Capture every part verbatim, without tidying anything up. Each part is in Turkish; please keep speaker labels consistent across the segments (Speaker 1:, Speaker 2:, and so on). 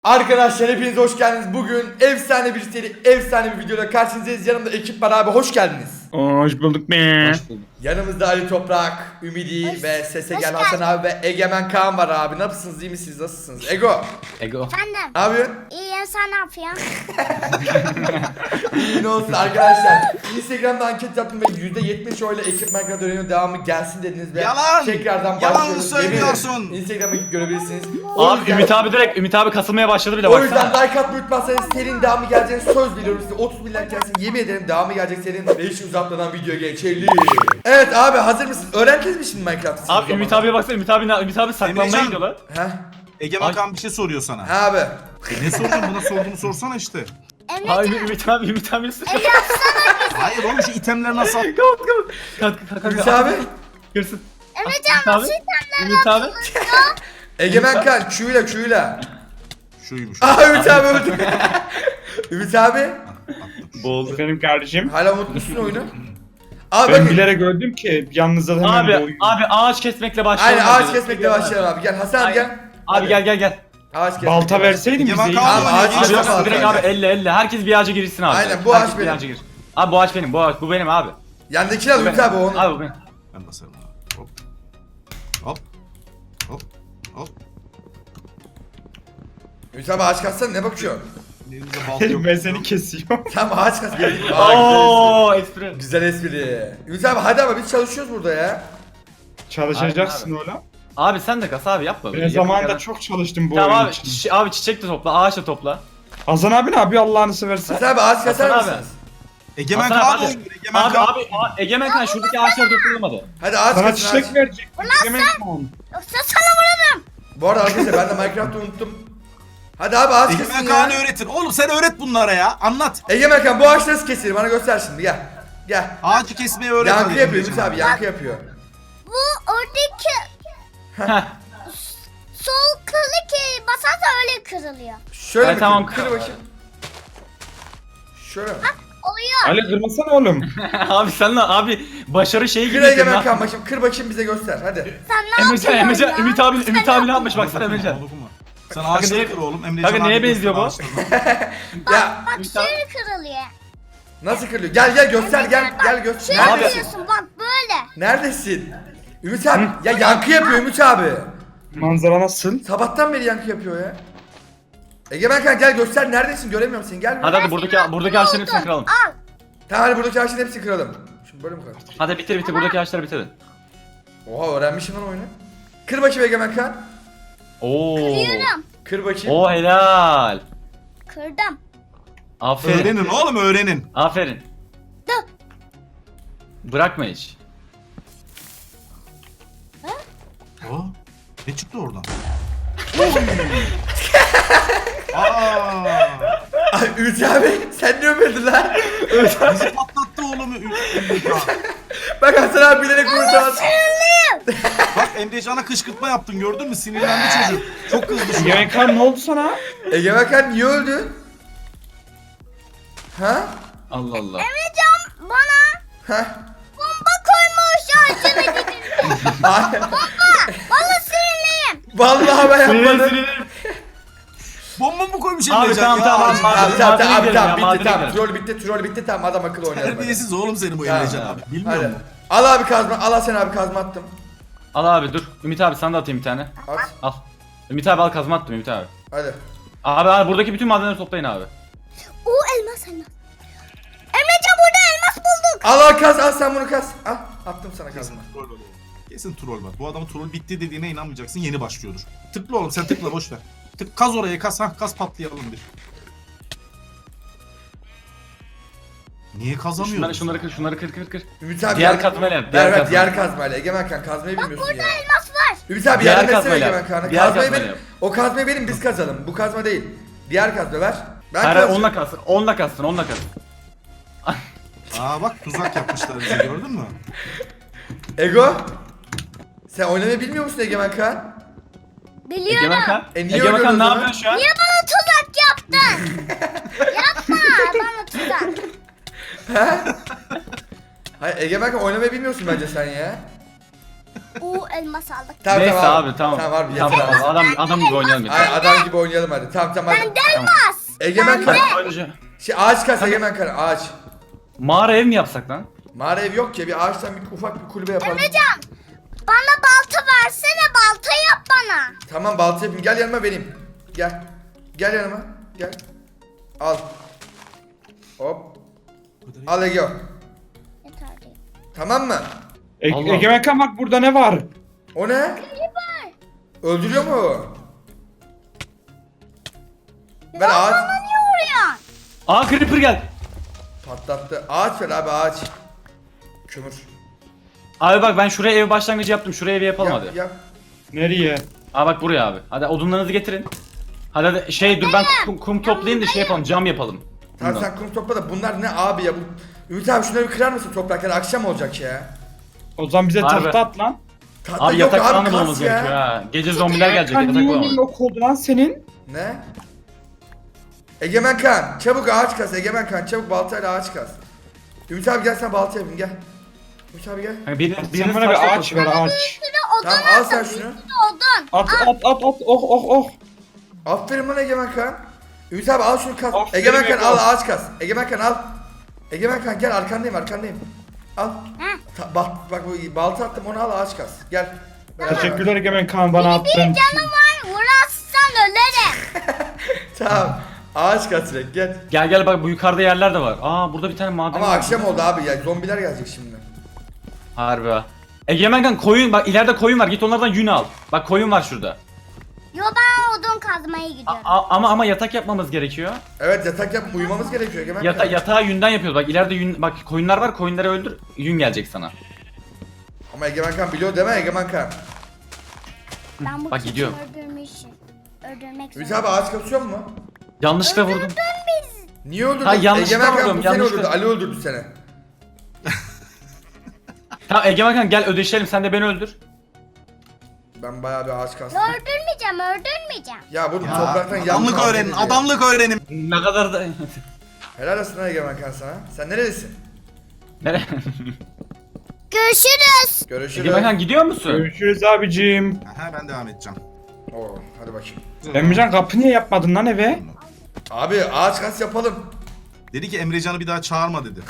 Speaker 1: Arkadaşlar hepiniz hoş geldiniz. Bugün efsane bir seri, efsane bir videoda karşınızdayız. Yanımda ekip var abi, hoş geldiniz.
Speaker 2: Hoş bulduk be.
Speaker 3: Hoş bulduk.
Speaker 1: Yanımızda Ali Toprak, Ümidi
Speaker 4: Hoş-
Speaker 1: ve Sese
Speaker 4: hoş
Speaker 1: Gel Hasan
Speaker 4: geldin.
Speaker 1: abi ve Egemen Kaan var abi. Nasılsınız, iyi misiniz, nasılsınız? Ego,
Speaker 3: Ego.
Speaker 4: Efendim.
Speaker 1: ne yapıyorsun?
Speaker 4: İyiyim, sen ne yapıyorsun?
Speaker 1: İyi ne olsun arkadaşlar. Instagram'da anket yaptım ve yüzde yetmiş oyla ekip Minecraft öğreniyor devamı gelsin dediniz ve
Speaker 5: Yalan!
Speaker 1: tekrardan
Speaker 5: Yalan
Speaker 1: başlıyoruz.
Speaker 5: söylüyorsun.
Speaker 1: Yemin ederim. Instagram'a gidip görebilirsiniz. O
Speaker 2: Abi
Speaker 1: yüzden-
Speaker 2: Ümit abi direkt Ümit abi kasılmaya başladı bile
Speaker 1: O yüzden
Speaker 2: baksana.
Speaker 1: like atmayı unutmazsanız serinin devamı geleceğini söz veriyorum size. otuz bin like gelsin, yemin ederim devamı gelecek serinin ve hiç uzatmadan videoya geçelim. Evet abi, hazır mısın? Öğrendiniz mi şimdi Minecraft'ı?
Speaker 2: Abi Ümit abiye baksana, Ümit abi Ümit abi saklanmaya
Speaker 5: Emrecan.
Speaker 2: gidiyor lan.
Speaker 1: Heh.
Speaker 5: Egemen Kan bir şey soruyor sana.
Speaker 1: Ha abi.
Speaker 5: E ne sordun, buna sorduğunu sorsana işte.
Speaker 2: Abi
Speaker 4: Emrecan,
Speaker 2: Ümit abi Ümit abi nasıl?
Speaker 5: Hayır oğlum, şu itemleri nasıl at?
Speaker 2: Kapat kapat. Kalk kalk kalk.
Speaker 1: Ümit abi.
Speaker 2: Kırsın.
Speaker 4: Emrecan
Speaker 2: Ümit abi.
Speaker 4: nasıl itemler
Speaker 2: Ümit abi.
Speaker 1: Egemen Kan Q'yla Q'yla.
Speaker 5: Şuymuş.
Speaker 1: Aha Ümit abi öldü. Ümit abi.
Speaker 2: Boğuldu.
Speaker 6: Benim kardeşim.
Speaker 1: Hala unutmuşsun oyunu. Abi
Speaker 6: Ben
Speaker 1: bakın.
Speaker 6: bilerek öldüm ki yalnızda hemen
Speaker 2: Abi
Speaker 6: doğuyor.
Speaker 2: abi ağaç kesmekle başlayalım.
Speaker 1: Aynen ağaç
Speaker 2: hadi.
Speaker 1: kesmekle başlayalım abi. Gel Hasan abi gel.
Speaker 2: Abi gel gel gel.
Speaker 1: Ağaç kesmek.
Speaker 6: Balta verseydin bize
Speaker 5: Egemen
Speaker 6: iyi.
Speaker 5: Kan
Speaker 1: Abi, ağaç
Speaker 5: oynuyor.
Speaker 2: Abi
Speaker 1: kesmek.
Speaker 2: yok, direkt abi elle elle. Herkes bir ağaca girsin abi.
Speaker 1: Aynen, bu
Speaker 2: Herkes
Speaker 1: ağaç
Speaker 2: bir
Speaker 1: benim.
Speaker 2: ağaca gir. Abi bu ağaç benim. Bu ağaç bu benim abi.
Speaker 1: Yandakiler
Speaker 2: Bu
Speaker 1: Ümit
Speaker 2: benim.
Speaker 1: abi o onun.
Speaker 2: Abi bu benim.
Speaker 5: Ben basarım. Hop. Hop. Hop. Hop.
Speaker 1: Ümit abi ağaç katsana, ne bakıyorsun?
Speaker 5: Elimizde balta yok.
Speaker 6: Ben seni kesiyorum.
Speaker 1: Tamam ağaç kas. Gel. Aa,
Speaker 2: Ooo espri.
Speaker 1: güzel espri. Ümit abi hadi ama biz çalışıyoruz burada ya.
Speaker 6: Çalışacaksın oğlum.
Speaker 2: Abi sen de kas abi yapma.
Speaker 6: Ben zamanında çok çalıştım bu
Speaker 2: Tamam
Speaker 6: oyun
Speaker 2: abi,
Speaker 6: için.
Speaker 2: çi- abi çiçek de topla, ağaç da topla.
Speaker 6: Hasan abi ne yapıyor Allah'ını seversen?
Speaker 1: Hasan abi ağaç kasar
Speaker 2: Hasan abi.
Speaker 1: mısınız?
Speaker 5: Egemen
Speaker 2: Hasan
Speaker 5: Kan
Speaker 2: abi,
Speaker 5: oynuyor. Egemen
Speaker 2: Abi
Speaker 5: Kan.
Speaker 2: abi, a- Egemen Kan şuradaki ağaçları toplayamadı.
Speaker 1: Hadi ağaç
Speaker 6: Sana
Speaker 1: kasın ağaç.
Speaker 6: çiçek verecek. Yemek mi?
Speaker 4: yoksa sana vururum.
Speaker 1: Bu arada arkadaşlar ben de Minecraft'ı unuttum. Hadi abi ağaç
Speaker 5: Egemen
Speaker 1: kesin
Speaker 5: Kan'ı
Speaker 1: ya.
Speaker 5: öğretin. Oğlum sen öğret bunlara ya. Anlat.
Speaker 1: Egemen Kan bu ağaç nasıl kesilir? Bana göster şimdi gel. Gel.
Speaker 5: Ağacı kesmeyi öğret.
Speaker 1: Yankı
Speaker 5: hadi
Speaker 1: yapıyor
Speaker 5: Emrecan
Speaker 1: Ümit abi, yankı yapıyor.
Speaker 4: Bu oradaki
Speaker 2: Heh.
Speaker 4: sol klik basarsa öyle kırılıyor.
Speaker 1: Şöyle
Speaker 2: Ay,
Speaker 1: mi
Speaker 2: tamam,
Speaker 1: kır, kır
Speaker 2: kır.
Speaker 1: bakayım. Şöyle mi?
Speaker 4: Oluyor.
Speaker 6: Ali kırmasana oğlum.
Speaker 2: Abi sen de abi başarı şeyi
Speaker 1: Kır
Speaker 2: gibi.
Speaker 1: Egemen Kan bakayım, kır bakayım bize göster hadi.
Speaker 4: Sen ne
Speaker 2: Emrecan,
Speaker 4: yapıyorsun
Speaker 2: Emrecan,
Speaker 4: ya?
Speaker 2: Ümit abi,
Speaker 4: Sen
Speaker 2: Ümit
Speaker 4: ne
Speaker 2: abi ne
Speaker 4: yapıyorsun?
Speaker 2: yapmış baksana Emrecan.
Speaker 5: Dokunma. Sen ağaçları
Speaker 2: neye-
Speaker 5: kır oğlum. Emrecan
Speaker 2: Kanka neye
Speaker 5: abi
Speaker 2: benziyor bu?
Speaker 5: göster ağaçlarını.
Speaker 1: Ya
Speaker 4: Bak
Speaker 2: Ümit abi-
Speaker 4: şöyle kırılıyor.
Speaker 1: nasıl kırılıyor? Gel gel göster gel
Speaker 4: Bak,
Speaker 1: gel göster.
Speaker 4: Şöyle
Speaker 2: Abi-
Speaker 4: kırıyorsun bak böyle.
Speaker 1: Neredesin? Ümit abi ya yankı yapıyor Ümit abi.
Speaker 6: Manzara nasıl?
Speaker 1: Sabahtan beri yankı yapıyor ya. Egemen Kan gel göster, neredesin, göremiyorum seni, gel.
Speaker 2: Hadi hadi buradaki buradaki ağaçların hepsini kıralım.
Speaker 4: Al.
Speaker 1: Tamam hadi buradaki ağaçların hepsini kıralım. Şimdi böyle mi kıralım?
Speaker 2: Hadi bitir bitir buradaki ağaçları bitirin.
Speaker 1: Oha öğrenmişim lan oyunu. Kır bakayım Egemen Kan.
Speaker 2: Oo.
Speaker 4: Kırıyorum.
Speaker 1: Kır bakayım.
Speaker 2: Oo helal.
Speaker 4: Kırdım.
Speaker 2: Aferin.
Speaker 5: Öğrenin oğlum, öğrenin.
Speaker 2: Aferin.
Speaker 4: Dur.
Speaker 2: Bırakma hiç.
Speaker 5: Aa, ne çıktı oradan? Aa,
Speaker 1: Ay Ümit abi sen niye öpüldün lan?
Speaker 5: bizi patlattı oğlum. Emrecan.
Speaker 1: Bak Hasan abi bilerek vurdu.
Speaker 5: Bak Emrecan'a kışkırtma yaptın, gördün mü? Sinirlendi çocuk. Çok kızdı şu an.
Speaker 6: Yemek kan ne oldu sana?
Speaker 1: Egemen Kan niye öldü? Ha?
Speaker 2: Allah Allah.
Speaker 4: Emrecan bana
Speaker 1: Ha?
Speaker 4: bomba koymuş ağacına gidin.
Speaker 1: Ay,
Speaker 4: Vallahi sinirliyim.
Speaker 1: vallahi ben
Speaker 2: Sinirlerim,
Speaker 1: yapmadım.
Speaker 2: sinirlerim.
Speaker 5: Bomba mı koymuş
Speaker 2: Abi,
Speaker 5: Emrecan
Speaker 2: tamam,
Speaker 5: ya?
Speaker 2: tamam,
Speaker 5: Ağacın-
Speaker 2: tamam.
Speaker 1: Tamam tamam tamam,
Speaker 2: Madene
Speaker 1: tamam
Speaker 2: gidelim ya,
Speaker 1: bitti
Speaker 2: madene
Speaker 1: tamam.
Speaker 2: gidelim.
Speaker 1: Troll bitti, troll bitti, tamam adam akıllı oynayalım. hadi.
Speaker 5: Terbiyesiz oğlum senin bu
Speaker 1: Tamam,
Speaker 5: Emrecan
Speaker 1: tamam.
Speaker 5: abi. Bilmiyor
Speaker 1: Hadi.
Speaker 5: musun?
Speaker 1: Al abi kazma, al Hasan abi kazma attım.
Speaker 2: Al abi dur. Ümit abi sana da atayım bir tane.
Speaker 1: At.
Speaker 2: Al. Ümit abi al kazma attım Ümit abi.
Speaker 1: Hadi.
Speaker 2: Abi, abi buradaki bütün madenleri toplayın abi.
Speaker 4: O elmas elmas. Emrecan burada elmas bulduk.
Speaker 1: Al al kaz, al sen bunu kaz. Al attım sana kazma.
Speaker 5: Troll var oğlum. Kesin troll var. Bu adamın troll bitti dediğine inanmayacaksın. Yeni başlıyordur. Tıkla oğlum, sen tıkla, boş ver. Tık, kaz oraya, kaz, ha, kaz, patlayalım bir. Niye kazamıyorsun?
Speaker 2: Şunları şunları kır şunları kır kır kır.
Speaker 1: Ümit abi
Speaker 2: Diğer
Speaker 1: yardım-
Speaker 2: kazmayla yap,
Speaker 1: Ver
Speaker 2: diğer
Speaker 1: ver
Speaker 2: kazmayla.
Speaker 1: diğer kazmayla. Egemen Kan kazmayı bilmiyorsun
Speaker 4: Burada
Speaker 1: ya.
Speaker 4: elmas var.
Speaker 1: Ümit abi
Speaker 2: Diğer
Speaker 1: yardım etsene
Speaker 2: kazmayla
Speaker 1: Egemen
Speaker 2: yap.
Speaker 1: Kan'a.
Speaker 2: Diğer
Speaker 1: Kazmayı
Speaker 2: kazmayla
Speaker 1: benim.
Speaker 2: yap.
Speaker 1: O kazmayı benim biz kazalım. Bu kazma değil. Diğer kazma ver. Ben
Speaker 2: Hayır hayır,
Speaker 1: kazacağım.
Speaker 2: onunla kalsın. Onunla kalsın onunla kalsın.
Speaker 5: Aa bak, tuzak yapmışlar bize, gördün mü?
Speaker 1: Ego. Sen oynamayı bilmiyor musun Egemen Kan?
Speaker 4: Biliyorum.
Speaker 2: Egemen Kan.
Speaker 1: E, niye
Speaker 2: Egemen
Speaker 1: öyle
Speaker 2: Kan ne
Speaker 1: o zaman?
Speaker 2: yapıyorsun şu an?
Speaker 4: Niye bana tuzak yaptın? Yapma bana tuzak.
Speaker 1: Hayır Egemen Kan oynamayı bilmiyorsun bence sen ya.
Speaker 4: Oo Oo elmas aldık.
Speaker 1: Tamam,
Speaker 2: Neyse
Speaker 1: tamam
Speaker 2: abi tamam.
Speaker 1: Tamam abi
Speaker 2: Tamam,
Speaker 1: yeter abi.
Speaker 2: adam, adam gibi oynayalım
Speaker 1: Ay,
Speaker 2: yeter.
Speaker 1: adam gibi oynayalım hadi. Tamam tamam hadi.
Speaker 4: Elmas.
Speaker 1: Egemen kan.
Speaker 2: Ayrıca
Speaker 1: Şey ağaç kas Egemen kan ağaç.
Speaker 2: mağara ev mi yapsak lan?
Speaker 1: Mağara ev yok ki bir ağaçtan bir ufak bir kulübe yapalım.
Speaker 4: Emrecan bana balta versene, balta yap bana.
Speaker 1: Tamam balta yapayım gel yanıma benim. Gel. Gel yanıma. Gel. Al. Hop. Al Ege.
Speaker 4: Yeter değil.
Speaker 1: Tamam mı?
Speaker 6: E
Speaker 2: Allah.
Speaker 6: Egemen Kan bak burada ne var?
Speaker 1: O ne? Öldürüyor mu? Ben ağaç
Speaker 4: Bana niye vuruyorsun?
Speaker 2: Aa creeper gel.
Speaker 1: patlattı. Ağaç ver abi ağaç. Kömür.
Speaker 2: Abi bak ben şuraya ev başlangıcı yaptım. Şuraya ev yapalım
Speaker 1: Yap,
Speaker 2: hadi.
Speaker 1: yap.
Speaker 6: Nereye?
Speaker 2: Aa bak buraya abi. Hadi odunlarınızı getirin. Hadi hadi şey dur ben kum, kum toplayayım da şey yapalım cam yapalım.
Speaker 1: Tamam
Speaker 2: Bundan.
Speaker 1: sen kum topla da bunlar ne abi ya bu. Ümit abi şunları bir kırar mısın toprakları akşam olacak ya.
Speaker 6: O zaman bize
Speaker 2: Harbi.
Speaker 6: tahta at lan.
Speaker 1: Tahta
Speaker 2: Abi
Speaker 1: yok
Speaker 2: yatak falan da
Speaker 1: kas
Speaker 2: bulmamız
Speaker 1: ya.
Speaker 2: gerekiyor ha. Gece zombiler gelecek
Speaker 6: Kan
Speaker 2: yatak
Speaker 6: niye
Speaker 2: bulamadık.
Speaker 6: yok oldu lan senin?
Speaker 1: Ne? Egemen kan çabuk ağaç kas Egemen kan çabuk baltayla ağaç kas. Ümit abi gel sen balta yapayım gel. Ümit abi gel.
Speaker 2: Hani biriniz,
Speaker 6: Sen
Speaker 2: biriniz
Speaker 6: bana
Speaker 2: taş
Speaker 6: bir ağaç
Speaker 2: yapın.
Speaker 6: ver ağaç.
Speaker 4: Şurada odun
Speaker 1: Tamam al sen şunu.
Speaker 4: odun.
Speaker 6: At at at at oh oh oh.
Speaker 1: Aferin bana Egemen kan. Ümit abi al şunu kas.
Speaker 6: Aferin
Speaker 1: Egemen kan
Speaker 6: Ege.
Speaker 1: al ağaç kas. Egemen kan al. Egemen kan gel arkandayım arkandayım. Al. Ta- bak bak bu balta attım onu al ağaç kas. Gel. Beraber.
Speaker 6: Teşekkürler Egemen Kan bana attığın için.
Speaker 4: Canım var, vurarsan ölerim.
Speaker 1: Tamam. Ağaç kas direkt gel.
Speaker 2: Gel gel bak bu yukarıda yerler de var. Aa burada bir tane maden
Speaker 1: Ama
Speaker 2: var.
Speaker 1: akşam oldu abi ya zombiler gelecek şimdi.
Speaker 2: Harbi ha. Egemen kan koyun bak ileride koyun var git onlardan yün al. Bak koyun var şurada.
Speaker 4: Yo ben odun kazmaya
Speaker 2: A-
Speaker 4: gidiyorum.
Speaker 2: a- ama ama yatak yapmamız gerekiyor.
Speaker 1: Evet yatak yap uyumamız gerekiyor Egemen
Speaker 2: Yata
Speaker 1: kan.
Speaker 2: yatağı yünden yapıyoruz. Bak ileride yün bak koyunlar var. Koyunları öldür. Yün gelecek sana.
Speaker 1: Ama Egemen kan biliyor deme Egemen kan.
Speaker 4: Ben bu
Speaker 2: Bak,
Speaker 4: keçi
Speaker 2: gidiyorum.
Speaker 4: öldürmüşüm. Öldürmek
Speaker 1: Ümit
Speaker 4: zorunda.
Speaker 1: abi ağaç kasıyor mu?
Speaker 2: Yanlışlıkla vurdum.
Speaker 1: Niye öldürdün?
Speaker 2: Ha, yanlışlıkla
Speaker 1: Egemen kan
Speaker 2: vurdum,
Speaker 1: bu seni
Speaker 2: yanlışlıkla.
Speaker 1: öldürdü. Ali öldürdü seni.
Speaker 2: Tamam Egemen kan gel ödeşelim. Sen de beni öldür.
Speaker 1: Ben bayağı bir ağaç kastım.
Speaker 4: Öldürmeyeceğim, öldürmeyeceğim.
Speaker 1: Ya bu
Speaker 5: Ya,
Speaker 1: topraktan yanmış.
Speaker 5: adamlık öğrenin, adamlık öğrenin.
Speaker 2: Ne kadar da...
Speaker 1: Helal olsun lan Egemen kan sana. Sen nerelisin?
Speaker 2: Nere?
Speaker 4: Görüşürüz.
Speaker 1: Görüşürüz.
Speaker 2: Egemen kan gidiyor musun?
Speaker 6: Görüşürüz abicim.
Speaker 5: Aha ben devam edeceğim.
Speaker 1: Oo, hadi bakayım.
Speaker 6: Emrecan kapı niye yapmadın lan eve?
Speaker 1: Abi ağaç kas yapalım.
Speaker 5: Dedi ki Emrecan'ı bir daha çağırma dedi.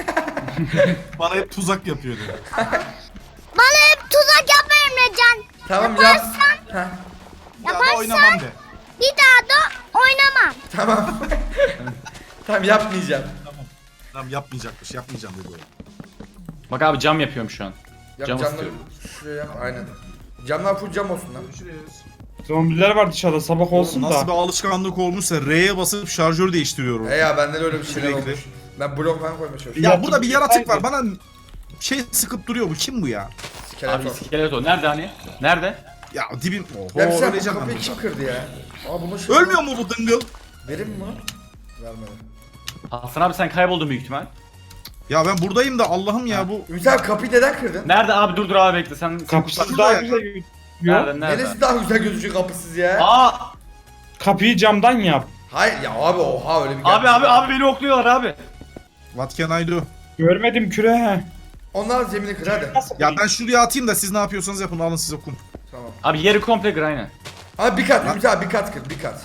Speaker 5: Bana hep tuzak yapıyor dedi.
Speaker 4: Bana hep tuzak yapma Emrecan.
Speaker 1: Tamam yap.
Speaker 4: Yaparsan,
Speaker 1: Heh,
Speaker 5: Bir daha da
Speaker 4: Yaparsan-
Speaker 5: oynamam de.
Speaker 4: bir daha da oynamam.
Speaker 1: tamam. tamam yapmayacağım.
Speaker 5: Tamam yapmayacakmış, yapmayacağım dedi o.
Speaker 2: Bak abi cam yapıyorum şu an.
Speaker 1: Yap
Speaker 2: Cam
Speaker 1: camları
Speaker 2: istiyorum.
Speaker 1: şuraya yap aynen. Camlar full cam olsun lan.
Speaker 5: Görüşürüz.
Speaker 6: Zombiler var dışarıda sabah olsun
Speaker 5: Nasıl bir
Speaker 6: da.
Speaker 5: alışkanlık olmuşsa R'ye basıp şarjör değiştiriyorum.
Speaker 1: He ya bende de öyle bir şeyler
Speaker 5: Sürekli.
Speaker 1: olmuş. Ben blok falan koymaya çalışıyorum.
Speaker 5: Ya
Speaker 6: Yaratık
Speaker 5: burada bir yaratık var.
Speaker 6: haydi.
Speaker 5: Bana şey sıkıp duruyor bu. Kim bu ya?
Speaker 2: Abi
Speaker 1: Skeleton.
Speaker 2: iskelet o. Nerede hani? Nerede?
Speaker 5: Ya dibim. Oho
Speaker 1: Ya bir şey bu
Speaker 5: öleceğim ben
Speaker 1: kapıyı
Speaker 5: burada.
Speaker 1: kim kırdı ya? Aa bunu şey...
Speaker 5: Ölmüyor mu bu dıngıl?
Speaker 1: Verim mi? Vermedi.
Speaker 2: Hasan abi sen kayboldun büyük ihtimal.
Speaker 5: Ya ben buradayım da Allah'ım ya bu.
Speaker 1: Ümit abi kapıyı neden kırdın?
Speaker 2: Nerede abi dur dur abi bekle sen. sen
Speaker 6: Kapısı
Speaker 2: kusura-
Speaker 6: daha
Speaker 5: ya.
Speaker 6: güzel gözüküyor.
Speaker 2: Nerede nerede?
Speaker 1: Neresi daha güzel gözüküyor kapısız ya?
Speaker 2: Aa
Speaker 6: Kapıyı camdan yap.
Speaker 1: Hayır ya abi oha öyle bir
Speaker 2: abi abi abi beni okluyorlar abi.
Speaker 5: What can I do?
Speaker 6: Görmedim küre.
Speaker 1: Onlar zemini kır hadi.
Speaker 6: Nasıl?
Speaker 5: Ya ben şuraya atayım da siz ne yapıyorsanız yapın. Alın size kum.
Speaker 1: Tamam.
Speaker 2: Abi yeri komple kır aynen.
Speaker 1: Ama bir kat Ümit abi bir kat kır bir kat.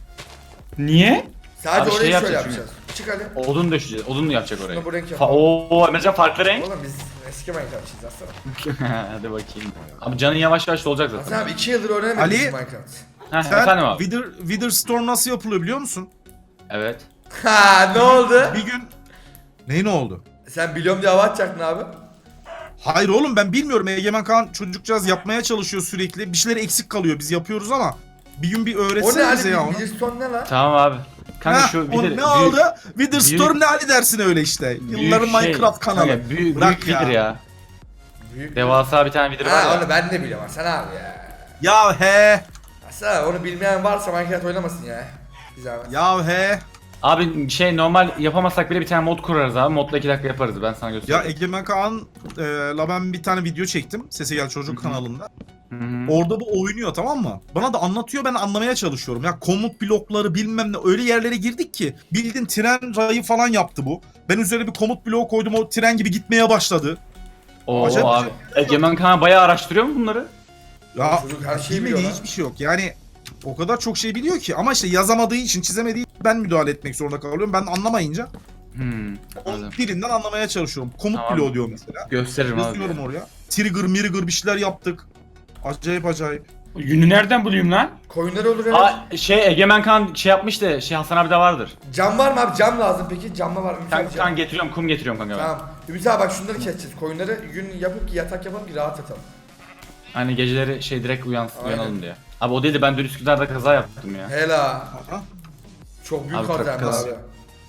Speaker 6: Niye?
Speaker 1: Sadece
Speaker 2: Abi şey
Speaker 1: orayı şöyle
Speaker 2: yapacağız
Speaker 1: yapacağız. Çık hadi.
Speaker 2: Odun döşeceğiz. Odun mu yapacak orayı?
Speaker 1: Şunu bu renk
Speaker 2: Fa
Speaker 1: yapalım.
Speaker 2: Oo Emrecan farklı renk.
Speaker 1: Oğlum biz eski Minecraft'çıyız aslında.
Speaker 2: Hadi bakayım. Abi canın yavaş yavaş olacak
Speaker 1: Hasan
Speaker 2: zaten.
Speaker 1: abi iki yıldır öğrenemedik
Speaker 5: Ali-
Speaker 1: biz Minecraft.
Speaker 2: Heh,
Speaker 5: Sen
Speaker 2: efendim abi.
Speaker 5: Wither, Wither Storm nasıl yapılıyor biliyor musun?
Speaker 2: Evet.
Speaker 1: Ha ne oldu?
Speaker 5: Bir gün... Ne ne oldu?
Speaker 1: Sen biliyorum diye hava atacaktın abi.
Speaker 5: Hayır oğlum ben bilmiyorum. Egemen Kaan çocukcağız yapmaya çalışıyor sürekli. Bir şeyler eksik kalıyor. Biz yapıyoruz ama bir gün bir
Speaker 1: O ne
Speaker 5: öğretsene bize
Speaker 1: Ali?
Speaker 5: ya onu.
Speaker 1: Bridgestone ne lan?
Speaker 2: Tamam abi. Kanka
Speaker 5: Heh,
Speaker 2: şu
Speaker 5: o
Speaker 2: bir de
Speaker 5: ne oldu? Wither
Speaker 2: büyük-
Speaker 5: Storm ne hali dersin öyle işte. Yılların
Speaker 2: büyük şey-
Speaker 5: Minecraft kanalı.
Speaker 2: Kanka, büyük,
Speaker 5: Bırak
Speaker 2: büyük vidir ya.
Speaker 1: Büyük.
Speaker 2: Devasa bir tane vidir var
Speaker 1: Ha
Speaker 2: ya.
Speaker 1: onu ben de biliyorum Hasan abi ya.
Speaker 5: Ya he.
Speaker 1: Hasan abi onu bilmeyen varsa Minecraft oynamasın ya. Bir zahmet.
Speaker 5: Ya he.
Speaker 2: Abi şey normal yapamazsak bile bir tane mod kurarız abi. Modla iki dakika yaparız ben sana
Speaker 5: Ya
Speaker 2: göstereyim.
Speaker 5: Egemen Kaan'la ben bir tane video çektim. Sese Gel Çocuk kanalında.
Speaker 2: Hı hı.
Speaker 5: Orada bu oynuyor tamam mı? Bana da anlatıyor ben anlamaya çalışıyorum. Ya komut blokları bilmem ne öyle yerlere girdik ki. Bildin tren rayı falan yaptı bu. Ben üzerine bir komut bloğu koydum o tren gibi gitmeye başladı.
Speaker 2: Oo
Speaker 5: Acayip
Speaker 2: abi. Egemen Kaan bayağı araştırıyor mu bunları?
Speaker 5: Ya
Speaker 1: Çocuk her şeyi
Speaker 5: bilmediği
Speaker 1: biliyor lan.
Speaker 5: hiçbir şey yok. Yani o kadar çok şey biliyor ki ama işte yazamadığı için, çizemediği için ben müdahale etmek zorunda kalıyorum. Ben anlamayınca
Speaker 2: Hmm.
Speaker 5: o
Speaker 2: Anladım.
Speaker 5: birinden anlamaya çalışıyorum. Komut
Speaker 2: Tamam.
Speaker 5: bloğu diyor mesela.
Speaker 2: Gösteririm abi.
Speaker 5: Yazıyorum oraya. Trigger, mirigger bir şeyler yaptık. Acayip acayip.
Speaker 6: Yünü nereden bulayım lan?
Speaker 1: Koyunları olur evet.
Speaker 2: Aa, şey Egemen Kaan şey yapmış da şey Hasan abi de vardır.
Speaker 1: Cam var mı abi? Cam lazım peki. Camla var mı?
Speaker 2: Kan,
Speaker 1: Ümit abi, cam.
Speaker 2: kan getiriyorum, kum getiriyorum kanka ben.
Speaker 1: Tamam. Ümit abi bak şunları keseceğiz. Koyunları gün yapıp ki yatak yapalım ki rahat yatalım.
Speaker 2: Hani geceleri şey direkt uyans
Speaker 1: Aynen.
Speaker 2: uyanalım diye. Abi o değil de ben dün Üsküdar'da kaza yaptım ya.
Speaker 1: Hela.
Speaker 5: Aha.
Speaker 1: Çok büyük
Speaker 2: Abi,
Speaker 1: kazayım
Speaker 5: kaz-
Speaker 1: abi.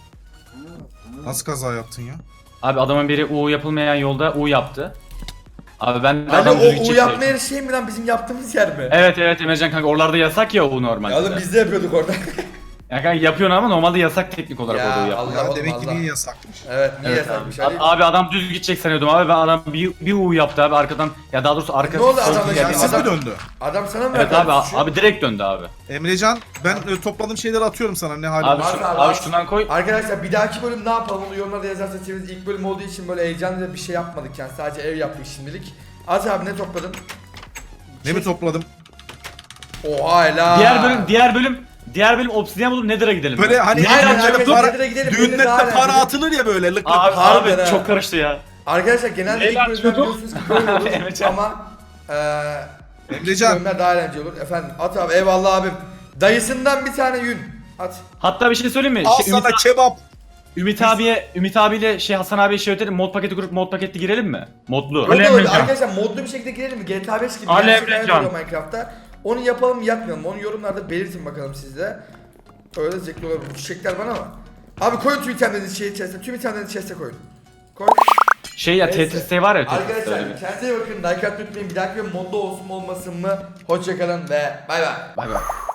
Speaker 5: Nasıl kaza yaptın ya?
Speaker 2: Abi adamın biri U yapılmayan yolda U yaptı. Abi ben de
Speaker 1: Hani
Speaker 2: adam düz
Speaker 1: o U
Speaker 2: gidecek
Speaker 1: yapma
Speaker 2: diye-
Speaker 1: yeri şey mi lan bizim yaptığımız yer mi?
Speaker 2: Evet evet Emrecan kanka oralarda yasak ya U normalde.
Speaker 1: Ya oğlum biz de yapıyorduk orada.
Speaker 2: Ya kanka yapıyorsun ama normalde yasak teknik olarak
Speaker 1: Ya,
Speaker 2: orada U yapmak.
Speaker 1: Allah
Speaker 5: Ya
Speaker 1: oğlum,
Speaker 5: demek ki
Speaker 1: Allah.
Speaker 5: niye yasakmış?
Speaker 1: Evet niye
Speaker 2: Evet
Speaker 1: yasakmış
Speaker 2: abi.
Speaker 1: Ali?
Speaker 2: Abi adam düz gidecek sanıyordum abi ben adam bir, bir U yaptı abi arkadan ya daha doğrusu arka
Speaker 1: Ne oldu
Speaker 2: sol
Speaker 1: adamla
Speaker 2: geldiğim
Speaker 1: ya?
Speaker 5: Şanssız
Speaker 2: adam-
Speaker 5: mı döndü?
Speaker 1: Adam sana mı
Speaker 2: Evet
Speaker 1: verdi
Speaker 2: abi
Speaker 1: suçu?
Speaker 2: abi direkt döndü abi.
Speaker 5: Emrecan ben e, topladığım şeyleri atıyorum sana ne halin
Speaker 2: Abi,
Speaker 5: var.
Speaker 1: Var
Speaker 2: şu,
Speaker 1: abi,
Speaker 2: abi
Speaker 1: var.
Speaker 2: şundan koy.
Speaker 1: Arkadaşlar bir dahaki bölüm ne yapalım onu yorumlarda yazarsanız seviniz. İlk bölüm olduğu için böyle heyecanlı bir şey yapmadık yani sadece ev yaptık şimdilik. Az abi ne topladın?
Speaker 5: Ne mi topladım?
Speaker 1: Oha helal.
Speaker 2: Diğer bölüm diğer bölüm diğer bölüm obsidyen bulup Nether'a gidelim.
Speaker 5: Böyle
Speaker 2: ya.
Speaker 5: hani
Speaker 1: Aynen,
Speaker 5: düğünlerde
Speaker 1: aynen,
Speaker 5: para,
Speaker 1: Nether'a gidelim,
Speaker 5: düğünlerde
Speaker 1: Nether'a daha
Speaker 5: para
Speaker 1: eğlenceli.
Speaker 5: atılır ya böyle lık lık.
Speaker 2: Abi
Speaker 1: Harbiden
Speaker 2: abi
Speaker 1: ha.
Speaker 2: çok karıştı ya.
Speaker 1: Arkadaşlar genelde ilk
Speaker 6: Neler
Speaker 1: bölümler
Speaker 6: çocuk?
Speaker 1: biliyorsunuz ki böyle olur
Speaker 2: Emrecan.
Speaker 1: ama eee
Speaker 5: Emrecan
Speaker 1: bölümler daha eğlenceli olur. Efendim at abi eyvallah abim. Dayısından bir tane yün. At.
Speaker 2: Hatta bir şey söyleyeyim mi?
Speaker 5: al
Speaker 2: Şey, Ümit,
Speaker 5: sana kebap.
Speaker 2: Ümit abiye Ümit abiyle şey Hasan abiye şey ötelim mod paketi kurup mod paketi girelim mi? Modlu.
Speaker 1: O da
Speaker 6: Öyle
Speaker 1: öyle.
Speaker 6: Emrecan.
Speaker 1: Arkadaşlar modlu bir şekilde girelim mi? G T A beş gibi
Speaker 6: Ali
Speaker 1: gerçek hayat
Speaker 6: Emrecan.
Speaker 1: oluyor Minecraft'ta. Onu yapalım mı yapmayalım mı? Onu yorumlarda belirtin bakalım siz de. Öyle zevkli olabilir. Bu çiçekler bana ama. Abi koyun tüm itemlerinizi şey chest'e. Tüm itemlerinizi chest'e koyun. Koy.
Speaker 2: Şey ya
Speaker 1: Neyse.
Speaker 2: Tetris şey var ya Tetris'te öyle
Speaker 1: Arkadaşlar
Speaker 2: bir.
Speaker 1: kendinize iyi bakın. Like atmayı unutmayın. Bir dahaki bölüm modlu olsun mu olmasın mı? Hoşçakalın ve bay bay.
Speaker 2: Bay bay.